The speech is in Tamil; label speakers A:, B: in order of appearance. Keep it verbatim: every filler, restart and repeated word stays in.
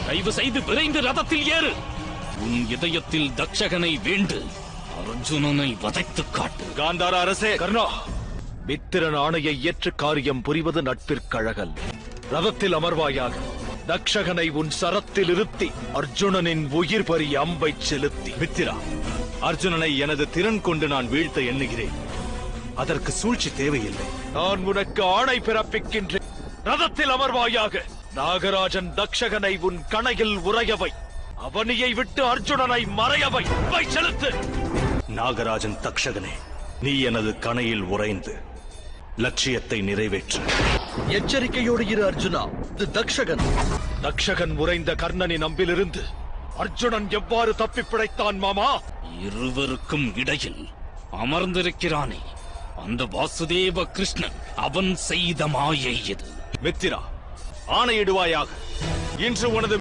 A: தயவு செய்து விரைந்து ரதத்தில் ஏறு. உன் இதயத்தில் தக்ஷகனை வேண்டு அர்ஜுனனை வதைத்துக் காட்டு.
B: காந்தார அரசே,
C: கர்ணா, மித்திரன் ஆணையை ஏற்று காரியம் புரிவது நட்பிற்கழகல். ரதத்தில் அமர்வாயாக. தக்ஷகனை உன் சரத்தில் இருத்தி அர்ஜுனனின் உயிர் பறி அம்பை செலுத்தி.
B: மித்திரா, அர்ஜுனனை எனது திறன் கொண்டு நான் வீழ்த்த எண்ணுகிறேன். அதற்கு சூழ்ச்சி தேவையில்லை.
C: நான் உனக்கு ஆணை பிறப்பிக்கின்றேன். ரதத்தில் அமர்வாயாக. நாகராஜன் தக்ஷகனை உன் கணையில் உறையவை. அவனியை விட்டு அர்ஜுனனை மறையவை. அம்பை செலுத்து.
B: நாகராஜன் தக்ஷகனே, நீ எனது கணையில் உறைந்து லட்சியத்தை நிறைவேற்று.
C: எச்சரிக்கையோடு இரு அர்ஜுனா. இது தக்ஷகன். தக்ஷகன் உறைந்த கர்ணனின் அம்பிலிருந்து அர்ஜுனன் எவ்வாறு தப்பி பிழைத்தான் மாமா?
A: இருவருக்கும் இடையில் அமர்ந்திருக்கிறானே அந்த வாசுதேவ கிருஷ்ணன், அவன் செய்த மாயை இது.
B: மித்திரா, ஆணையிடுவாயாக. இன்று உனது